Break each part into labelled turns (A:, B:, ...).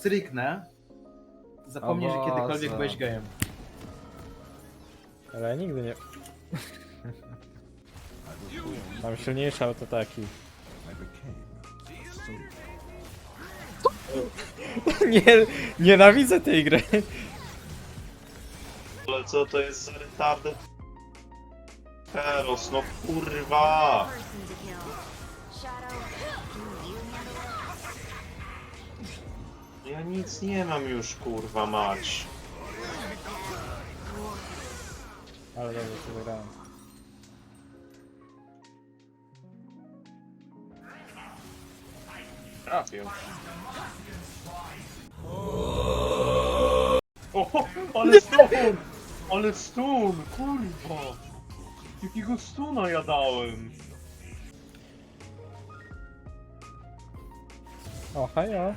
A: stryknę, zapomnij, że kiedykolwiek byłeś gejem.
B: Ale ja nigdy nie... Mam silniejsze autotaki. Nie, nienawidzę tej gry.
C: Ale co to jest za retarded? Heros, no kurwa! Ja nic nie mam już, kurwa mać.
B: Ale dobrze się wygrałem.
C: Trafił. O, ale stun! Ale stun, kurwa! Jakiego stuna ja dałem?
B: O, hajo.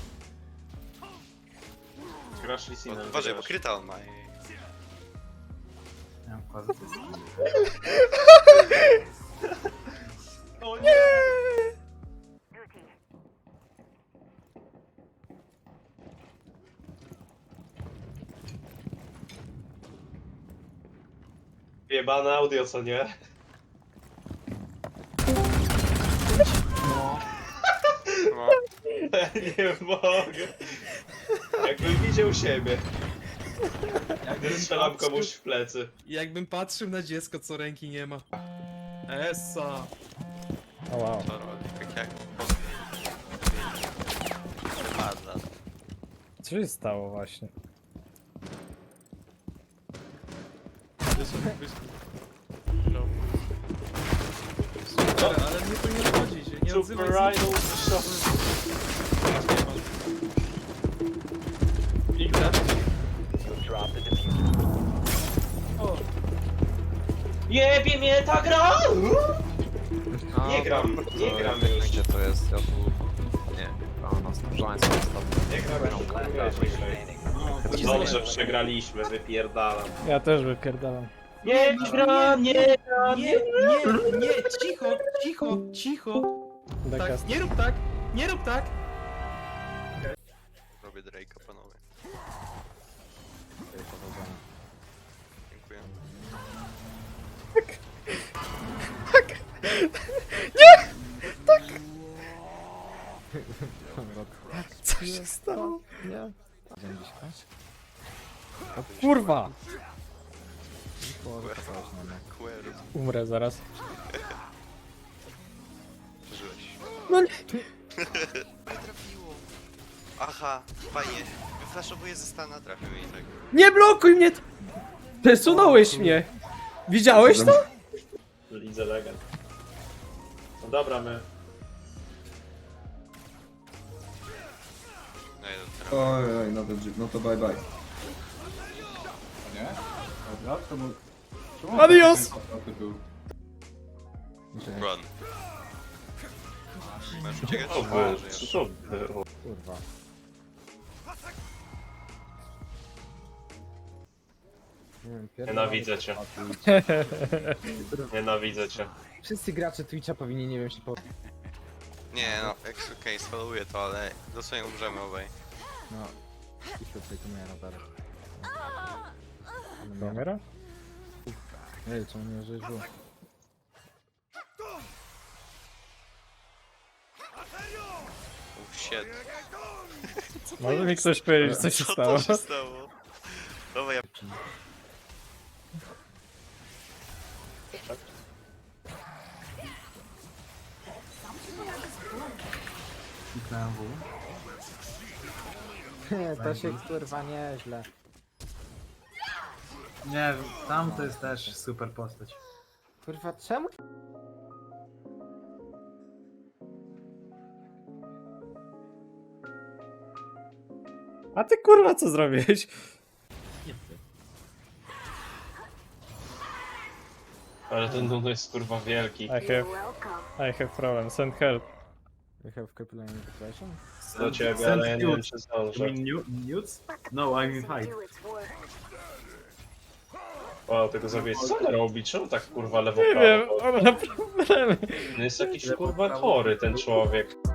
C: Grasz Lisinem.
D: Uważaj, bo kryta on ma.
A: Nie mam wkładu.
C: O nie! Jebane audio, co nie?
D: No.
C: Nie mogę. Jakbym widział siebie. Jak strzelam komuś w plecy.
E: Jakbym patrzył na dziecko, co ręki nie ma. Essa.
B: O wow.
D: To robi tak jak... Wypada.
B: Co się stało właśnie?
E: No. Super, ale mnie to nie obchodzi, się nie
C: Super
E: odzywaj.
C: Idol Shop. Jebie mnie ta gra! Nie gram już.
F: Gdzie to jest? Ja tu... Nie, a na stążanie sobie stawię.
C: Nie gram już. Dobrze, przegraliśmy, wypierdalam.
B: Ja też wypierdalam.
C: Nie gram, nie gram,
E: Nie, nie, cicho, cicho, cicho. Tak,
B: Dekast.
E: nie rób tak, nie rób tak.
D: Robię Drake'a, panowie. Dziękuję.
B: Co się stało? Nie. O kurwa!
D: Query.
B: Umrę zaraz.
D: Przeżyłeś.
B: No nie.
D: Nie trafiło. Aha, fajnie. Wyflaszowuję ze stana, trafił i tak.
B: Nie blokuj mnie! Przesunąłeś mnie! Widziałeś to?
C: Lidze legend. No dobra, my.
D: No jeden teraz.
G: Oj, no to bye bye.
A: Nie? Dobra, to był...
B: Adios!
D: Run. Masz uciekać?
C: Co było? Co było?
B: Kurwa.
C: Nienawidzę cię. Nienawidzę cię.
F: Wszyscy gracze Twitcha powinni, nie wiem, się po...
D: Nie no, okej, sfollowuję to, ale dosłownie umrzemy obaj.
F: No. I się tutaj tu miałem radarek.
B: Umiera?
F: Ej, co mnie żyło?
D: Oh shit.
B: Może mi ktoś powiedzieć, co się
D: Co
B: stało?
D: to się stało? Dobra, ja...
A: Kliknąłem W.
F: To się kurwa nieźle.
A: Nie wiem, tam to jest też super postać.
F: Kurwa, czemu?
B: A ty kurwa co zrobiłeś?
C: Ale ten Nuno jest kurwa wielki.
B: I have problem, send help.
F: You have capillary depression?
C: Do ciebie, ale ja nie wiem czy zdążę.
A: Nudes? No, I mean height.
C: Wow, tego zabiję. Co on robi? Czemu tak kurwa lewo
B: Nie wiem,
C: prawo?
B: on ma problemy.
C: No jest jakiś kurwa chory ten człowiek.